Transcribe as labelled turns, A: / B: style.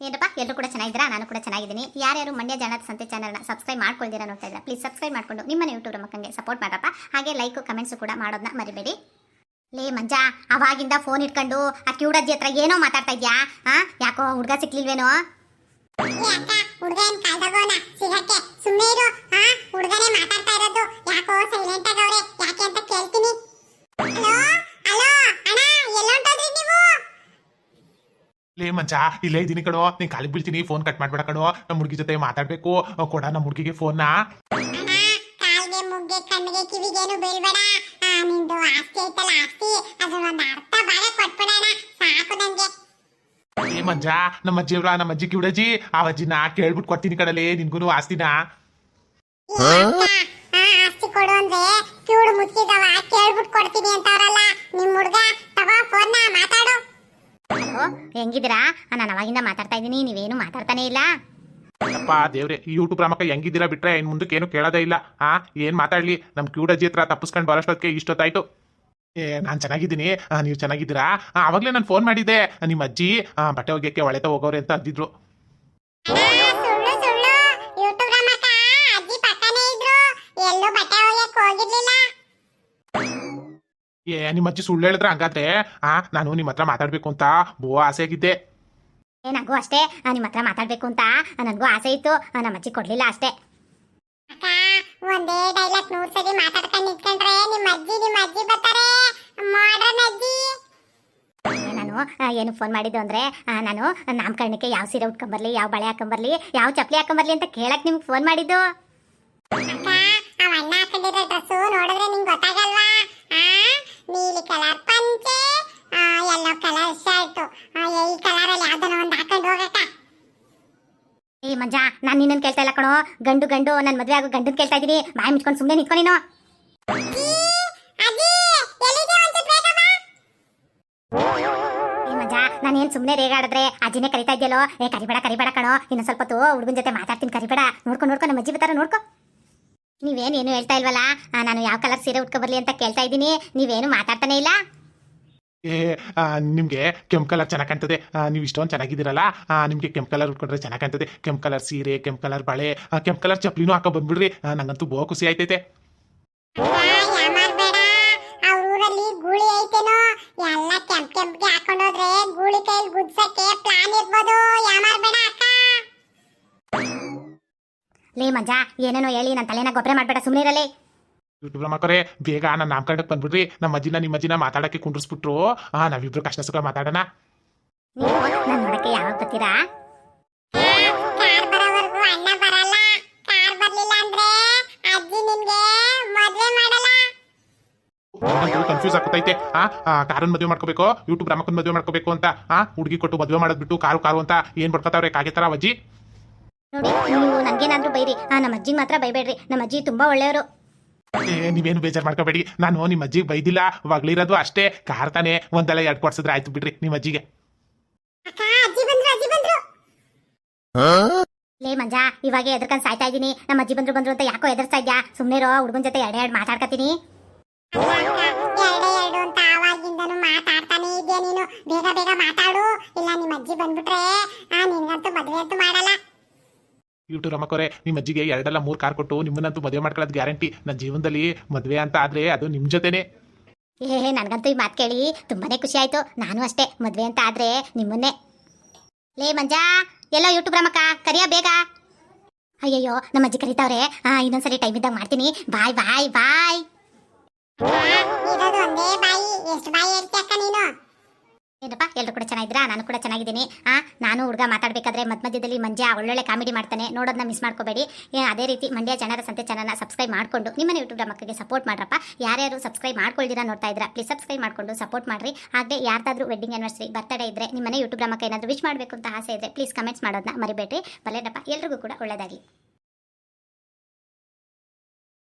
A: ಏನಪ್ಪ ಎಲ್ಲರೂ ಕೂಡ ಚೆನ್ನಾಗಿದ್ದೀರಾ? ನಾನು ಕೂಡ ಚೆನ್ನಾಗಿದ್ದೀನಿ. ಯಾರ್ಯಾರು ಮಂಡ್ಯ ಜಾಣದ ಸಂತೆ ಚಾನಲ್ನ ಸಬ್ಸ್ಕ್ರೈಬ್ ಮಾಡ್ಕೊಳ್ದಿರಾ ನೋಡ್ತಾ ಇದ್ದೀರಾ, ಪ್ಲೀಸ್ ಸಬ್ಸ್ಕ್ರೈಬ್ ಮಾಡ್ಕೊಂಡು ನಿಮ್ಮನೆ ಯೂಟ್ಯೂಬ್ ಮಕ್ಕಂಗೆ ಸಪೋರ್ಟ್ ಮಾಡಪ್ಪ. ಹಾಗೆ ಲೈಕ್ ಕಮೆಂಟ್ಸ್ ಕೂಡ ಮಾಡೋದನ್ನ ಮರಿಬೇಡಿ. ಲೇ ಮಂಜಾ, ಅವಾಗಿಂದ ಫೋನ್ ಇಟ್ಕೊಂಡು ಆ ಕ್ಯೂಡಜ್ಜಿ ಹತ್ರ ಏನೋ ಮಾತಾಡ್ತಾ ಇದ್ಯಾ? ಯಾಕೋ ಹುಡುಗ ಸಿಕ್ಲಿಲ್ವೇನೋ?
B: ಹುಡುಗ ಏನ್ ಕಾಲ್ದಗೋನ ಸಿಗಕ್ಕೆ ಸುಮ್ಮನೆ ಇರು. ಹುಡುಗನೇ ಮಾತಾಡ್ತಾ ಇರೋದು, ಯಾಕೋ ಸೈಲೆಂಟ್ ಆಗವ್ರೆ, ಯಾಕೆ ಅಂತ ಕೇಳ್ತೀನಿ. ಹಲೋ ಹಲೋ ಅಣ್ಣ, ಎಲ್ಲೊಂಟೋದ್ರಿ ನೀವು?
C: ಲೇ ಮಂಚ, ಇಲ್ಲೇ ಇದೀನಿ ಕಣೋ, ನೀನ್ ಕಾಲಿಗೆ ಬೀಳ್ತೀನಿ, ಫೋನ್ ಕಟ್ ಮಾಡ್ಬೇಡ ಕಣೋ. ನಮ್ಮ ಹುಡುಗಿ ಜೊತೆ ಮಾತಾಡ್ಬೇಕು, ಕೊಡ ನಮ್ಮ ಹುಡುಗಿಗೆ ಫೋನ್ನ.
B: ಅಣ್ಣ, ಕಾಲ್ಗೆ ಮುಗ್ಗೆ ಕಣ್ಣಿಗೆ ಕಿವಿಗೇನು ಬೀಳ್ಬೇಡ. ನಿಂದು ಆಸ್ತಿ ಐತಲ್ಲ, ಆಸ್ತಿ ಅದ್ರ ಒಂದು ಅರ್ಥ ಭಾಗ ಕೊಟ್ಬಿಡೋಣ, ಸಾಕು ನಂಗೆ.
C: ಲೇ ಮಂಜ, ನಮ್ಮ ಅಜ್ಜಿ ಕಿವಿಡಜ್ಜಿ, ಆ ಅಜ್ಜಿನ ಕೇಳ್ಬಿಟ್ಟು ಕೊಡ್ತೀನಿ ಕಡಲೆ ನಿನ್ಗೂ ಆಸ್ತಿನ.
B: ಆಸ್ತಿ ಕೊಡು ಅಂದ್ರೆ ಕಿವುಡು ಮುಚ್ಚಿದವ ಕೇಳ್ಬಿಟ್ಟು ಕೊಡ್ತೀನಿ ಅಂತವ್ರಲ್ಲ ನಿಮ್ ಹುಡುಗ. ತಗೋ ಫೋನ್ನ, ಮಾತಾಡು.
A: ಹಲೋ, ಹೆಂಗಿದ್ದೀರಾ? ನಾನು ಅವಾಗಿಂದ ಮಾತಾಡ್ತಾ ಇದ್ದೀನಿ, ನೀವೇನು ಮಾತಾಡ್ತಾನೆ ಇಲ್ಲ.
C: ಅಪ್ಪ ದೇವ್ರೆ, ಈ ಯೂಟ್ಯೂಬ್ ರಾಮಕ್ಕ ಹೆಂಗಿದ್ದೀರಾ ಬಿಟ್ರೆ ಇನ್ ಮುಂದಕ್ಕೆ ಏನು ಕೇಳೋದೇ ಇಲ್ಲ. ಏನ್ ಮಾತಾಡ್ಲಿ, ನಮ್ ಕ್ಯೂಡಜ್ಜಿ ಹತ್ರ ತಪ್ಪಿಸ್ಕೊಂಡು ಬರೋಷ್ಟೊತ್ತಿಗೆ ಇಷ್ಟೊತ್ತಾಯ್ತು. ನಾನ್ ಚೆನ್ನಾಗಿದ್ದೀನಿ, ನೀವು ಚೆನ್ನಾಗಿದ್ದೀರಾ? ಅವಾಗ್ಲೇ ನಾನು ಫೋನ್ ಮಾಡಿದ್ದೆ, ನಿಮ್ಮ ಅಜ್ಜಿ ಬಟ್ಟೆ ಒಗ್ಯಕ್ಕೆ ಒಳೆತ ಹೋಗೋರೆ ಅಂತ ಅಂದಿದ್ರು.
B: ಸುಳ್ಳು ಸುಳ್ಳು, ಯೂಟ್ಯೂಬ್ ರಮಕ ಅಜ್ಜಿ ಪಕ್ಕನೇ ಇದ್ರು, ಎಲ್ಲೂ ಬಟ್ಟೆ ಒಗ್ಯಕ್ಕೆ ಹೋಗಿರ್ಲಿಲ್ಲ.
C: ನಿಮ್ಮ ಅಜ್ಜಿ ಸುಳ್ಳು ಹೇಳಿದ್ರೆ ಹಂಗಾದ್ರೆ ನಾನು ನಿಮ್ಮ ಹತ್ರ ಮಾತಾಡ್ಬೇಕು ಅಂತ ಬೋ ಆಸೆ ಆಗಿದ್ದೆ.
A: ನನಗೂ ಅಷ್ಟೇ, ನಿಮ್ಮ ಹತ್ರ ಮಾತಾಡ್ಬೇಕು ಅಂತ ನನಗೂ ಆಸೆ ಇತ್ತು, ನಮ್ಮ ಅಜ್ಜಿ ಕೊಡ್ಲಿಲ್ಲ ಅಷ್ಟೇ.
B: ಅಕ್ಕ, ಒಂದೇ ಡೈಲಾಗ್ 100 ಸರಿ ಮಾತಾಡ್ಕೊಂಡು ನಿಂತ್ಕೊಂಡ್ರೆ ನಿಮ್ಮ ಅಜ್ಜಿ ಬರ್ತಾರೆ, ಮಾಡ್ರನ್ ಅಜ್ಜಿ.
A: ನಾನು ಏನು ಫೋನ್ ಮಾಡಿದ್ದು ಅಂದ್ರೆ, ನಾನು ನಾಮಕರಣಕ್ಕೆ ಯಾವ ಸೀರೆ ಉಟ್ಕೊಂಬರ್ಲಿ, ಯಾವ ಬಳೆ ಹಾಕೊಂಬರ್ಲಿ, ಯಾವ ಚಪ್ಪಲಿ ಹಾಕೊಂಬರ್ಲಿ ಅಂತ ಕೇಳಕ್ ನಿಮ್ಗೆ ಫೋನ್ ಮಾಡಿದ್ದು.
B: ಅಕ್ಕ, ಅವ ಅಣ್ಣ ಹಾಕೊಂಡಿರೋ ಡ್ರೆಸ್ಸು ನೋಡಿದ್ರೆ ನಿಂಗೆ ಗೊತ್ತಾಗಲ್ವಾ? ನೀಲಿ ಕಲರ್ ಪಂಚೆ, ಯೆಲ್ಲೋ ಕಲರ್ ಶರ್ಟ್, ಈ ಕಲರಲ್ಲಿ ಯಾವ್ದನ ಒಂದು ಹಾಕೊಂಡು ಹೋಗಕ್ಕ.
A: ಏ ಮಂಜಾ, ನಾನು ನಿನ್ನನ್ನು ಕೇಳ್ತಾ ಇಲ್ಲ ಕಣೋ, ಗಂಡು ನನ್ನ ಮದುವೆ ಆಗೋ ಗಂಡನ್ ಕೇಳ್ತಾ ಇದ್ದೀನಿ. ಬಾಯಿ ಮುಚ್ಕೊಂಡು ಸುಮ್ಮನೆ ನಿಂತ್ಕೊ ನೀನು. ಏ ಮಂಜಾ, ನಾನೇನು ಸುಮ್ಮನೆ ರೇಗಾಡಿದ್ರೆ ಅಜ್ಜಿನೇ ಕರಿತಾ ಇದೆಯಲ್ಲೋ? ಕರಿಬೇಡ ಕಣೋ, ಇನ್ನು ಸ್ವಲ್ಪ ಹೊತ್ತು ಹುಡುಗನ ಜೊತೆ ಮಾತಾಡ್ತೀನಿ, ಕರಿಬೇಡ. ನೋಡ್ಕೊ ನಮ್ಮ ಅಜ್ಜಿ ಬರ್ತಾರ, ನೋಡ್ಕೊ. ನೀವೇನು ಹೇಳ್ತಾ ಇಲ್ವಲ್ಲ, ನಾನು ಯಾವ ಕಲರ್ ಸೀರೆ ಉಟ್ಕೊಬರ್ಲಿ ಅಂತ ಕೇಳ್ತಾ ಇದ್ದೀನಿ, ನೀವೇನು ಮಾತಾಡ್ತಾನೆ ಇಲ್ಲ.
C: ನಿಮ್ಗೆ ಕೆಂಪು ಕಲರ್ ಚೆನ್ನಾಗಿ ಕಾಣ್ತದೆ, ನೀವು ಇಷ್ಟೊಂದು ಚೆನ್ನಾಗಿದ್ದೀರಲ್ಲ, ನಿಮ್ಗೆ ಕೆಂಪು ಕಲರ್ ಉಟ್ಕೊಂಡ್ರೆ ಚೆನ್ನಾಗಿ ಕಾಣ್ತದೆ. ಕೆಂಪು ಕಲರ್ ಸೀರೆ, ಕೆಂಪು ಕಲರ್ ಬಳೆ, ಕೆಂಪು ಕಲರ್ ಚಪ್ಲಿನೂ ಹಾಕೋ ಬಂದ್ಬಿಡ್ರಿ, ನಂಗಂತೂ ಬಹು ಖುಷಿ ಆಯ್ತೈತೆ.
B: ಊರಲ್ಲಿ ಗೂಳಿ ಐತೇನೋ, ಎಲ್ಲ ಕೆಂಪ್ಗೆ ಹಾಕೊಂಡೋದ್ರೆ ಗೂಳಿ ಕೈಲಿ ಗುದ್ಸಕ್ಕೆ ಪ್ಲಾನ್ ಇರ್ಬೋದು, ಯಾಮಾರ್ಬೇಡ ಅಕ್ಕ.
A: ಲೇ ಮಂಜಾ, ಏನೇನೋ ಹೇಳಿ ನನ್ನ ತಲೆನ ಗೊಬ್ಬರ ಮಾಡಬೇಡ, ಸುಮ್ಮನೆ ಇರಲಿ.
C: ಯೂಟ್ಯೂಬ್ ಮಕ್ಕಳೇ, ಬೇಗ ನನ್ನ ನಾಮಕರಣಕ್ಕೆ ಬಂದ್ಬಿಡ್ರಿ, ನಿಮ್ಮ ಅಜ್ಜಿನ ಮಾತಾಡಕ್ಕೆ ಕುಂಡ್ರಿಸ್ಬಿಟ್ರು, ನಾವಿಬ್ರು ಕಷ್ಟ ಸುಖ ಮಾತಾಡೋಣ.
A: ನೀವು ನನ್ನ ನೋಡಕ್ಕೆ ಯಾವಾಗ ಬರ್ತೀರಾ?
B: ಕಾರ್ ಬರೋವರೆಗೂ ಅಣ್ಣ ಬರಲ್ಲ. ಕಾರ್ ಬರ್ಲಿಲ್ಲ ಅಂದ್ರೆ ಅಜ್ಜಿ ನಿಮ್ಗೆ ಮದ್ವೆ ಮಾಡಲ್ಲ.
C: ಕನ್ಫ್ಯೂಸ್ ಆಗ್ತೈತೆ. ಕಾರನ್ ಮದುವೆ ಮಾಡ್ಕೋಬೇಕು, ಯೂಟ್ಯೂಬ್ ರಾಮಕ್ಕನ್ ಮದುವೆ ಮಾಡ್ಕೋಬೇಕು ಅಂತ ಹುಡುಗಿ ಕೊಟ್ಟು ಮದುವೆ ಮಾಡೋದ್ಬಿಟ್ಟು ಕಾರು ಅಂತ ಏನ್ ಬಡ್ಕೋತಾವ್ರೆ ಕಾಗೆ ತರ ಅಜ್ಜಿ.
A: ನೋಡಿ, ನೀವು ನನ್ಗೇನಾದ್ರೂ ಬೈರಿ, ನಮ್ಮ ಅಜ್ಜಿಗೆ ಮಾತ್ರ ಬೈಬೇಡ್ರಿ, ನಮ್ಮ ಅಜ್ಜಿ ತುಂಬಾ ಒಳ್ಳೆಯವರು.
C: ನೀವೇನು ಬೇಜಾರು ಮಾಡ್ಕೋಬೇಡಿ, ನಾನು ನಿಮ್ಮ ಅಜ್ಜಿಗೆ ಬೈದಿಲ್ಲ, ಒಗ್ಲಿರೋದು ಅಷ್ಟೇ. ಕಾರ್ ತಾನೆ ಒಂದೆಲ್ಲ 2 ಕೊಡ್ಸಿದ್ರೆ ಆಯ್ತು ಬಿಡ್ರಿ ನಿಮ್ಮ ಅಜ್ಜಿಗೆ.
B: ಅಜ್ಜಿ ಬಂದ್ರು.
A: ಲೇ ಮಂಜಾ, ಇವಾಗ ಎದ್ರಕಂಡ್ ಸಾಯ್ತಾ ಇದ್ದೀನಿ, ನಮ್ಮ ಅಜ್ಜಿ ಬಂದ್ರು ಅಂತ ಯಾಕೋ ಎದುರ್ಸ್ತಾ ಇದ್ಯಾ? ಸುಮ್ಮನೆ ಇರೋ, ಹುಡುಗನ ಜೊತೆ ಎರಡು ಮಾತಾಡ್ಕತೀನಿ.
B: ಎರಡು ಅಂತ ಆವಾಗಿಂದನು ಮಾತಾಡ್ತಾನೆ ಇದೆಯಾ ನೀನು? ಬೇಗ ಮಾತಾಡು, ಇಲ್ಲ ನಿಮ್ಮ ಅಜ್ಜಿ ಬಂದ್ಬಿಟ್ರೆ ನಿನ್ಗಂತೂ ಮದ್ವೆ ಅಂತೂ ಮಾಡಲ್ಲ.
C: ಯೂಟ್ಯೂಬ್ ರಮಕೋರೆ, ನಿಮ್ಮ ಅಜ್ಜಿಗೆ 2 ಅಲ್ಲ 3 ಕಾರ್ ಕೊಟ್ಟು ನಿಮ್ಮನ್ನಂತೂ ಮದುವೆ ಮಾಡ್ಕೊಳ್ಳೋದು ಗ್ಯಾರಂಟಿ. ನನ್ನ ಜೀವನದಲ್ಲಿ ಮದುವೆ ಅಂತ ಆದ್ರೆ ಅದು ನಿಮ್ಮ ಜೊತೆನೆ.
A: ನನ್ಗಂತೂ ಈ ಮಾತು ಕೇಳಿ ತುಂಬಾನೇ ಖುಷಿ ಆಯ್ತು. ನಾನು ಅಷ್ಟೇ, ಮದ್ವೆ ಅಂತ ಆದ್ರೆ ನಿಮ್ಮನ್ನೇ. ಲೇ ಮಂಜಾ, ಎಲ್ಲೋ ಯೂಟ್ಯೂಬ್ ರಮಕ್ಕ ಕರಿಯ ಬೇಗ. ಅಯ್ಯಯ್ಯೋ, ನಮ್ಮ ಅಜ್ಜಿ ಕರೀತಾವ್ರೆ, ಇನ್ನೊಂದ್ಸರಿ ಟೈಮ್ ಇದ್ದಾಗ ಮಾಡ್ತೀನಿ. ಬಾಯ್.
B: ಇರೋದು ಒಂದೇ ಬಾಯಿ, ಎಷ್ಟು ಬಾಯಿ ಹೇಳ್ತಿ ಅಕ್ಕ ನೀನು?
A: ಏನಪ್ಪ, ಎಲ್ಲರೂ ಕೂಡ ಚೆನ್ನಾಗಿದ್ದೀರಾ? ನಾನು ಕೂಡ ಚೆನ್ನಾಗಿದ್ದೀನಿ. ನಾನು ಹುಡುಗ ಮಾತಾಡಬೇಕಾದ್ರೆ ಮಧ್ಯದಲ್ಲಿ ಮಂಜಾ ಒಳ್ಳೊಳ್ಳೆ ಕಾಮಿಡಿ ಮಾಡ್ತಾನೆ, ನೋಡೋದನ್ನ ಮಿಸ್ ಮಾಡ್ಕೋಬೇಡಿ. ಅದೇ ರೀತಿ ಮಂಡ್ಯ ಜನರ ಸಂತೆ ಚಾನಲ್ನ ಸಬ್ಸ್ಕ್ರೈಬ್ ಮಾಡಿಕೊಂಡು ನಿಮ್ಮನೆ ಯೂಟ್ಯೂಬ್ ಮಕ್ಕಳಿಗೆ ಸಪೋರ್ಟ್ ಮಾಡ್ರಪ್ಪ. ಯಾರ್ಯಾರು ಸಬ್ಸ್ಕ್ರೈಬ್ ಮಾಡ್ಕೊಳ್ದಿರಾ ನೋಡ್ತಾ ಇದ್ದೀರಾ, ಪ್ಲೀಸ್ ಸಬ್ಸ್ಕ್ರೈಬ್ ಮಾಡ್ಕೊಂಡು ಸಪೋರ್ಟ್ ಮಾಡಿರಿ. ಹಾಗೆ ಯಾರ್ದಾದ್ರೂ ವೆಡ್ಡಿಂಗ್ ಆನಿವರ್ಸರಿ ಬರ್ತಡೇ ಇದ್ರೆ ನಿಮ್ಮನೆ ಯೂಟ್ಯೂಬ್ ಮಕ್ಕ ಏನಾದರೂ ವಿಶ್ ಮಾಡಬೇಕು ಅಂತ ಆಸೆ ಇದ್ರೆ ಪ್ಲೀಸ್ ಕಮೆಂಟ್ಸ್ ಮಾಡೋದನ್ನ ಮರಿಬೇಡ್ರಿ. ಬಲ್ಲೇನಪ್ಪ, ಎಲ್ರಿಗೂ ಕೂಡ ಒಳ್ಳೆಯದಾಗಲಿ.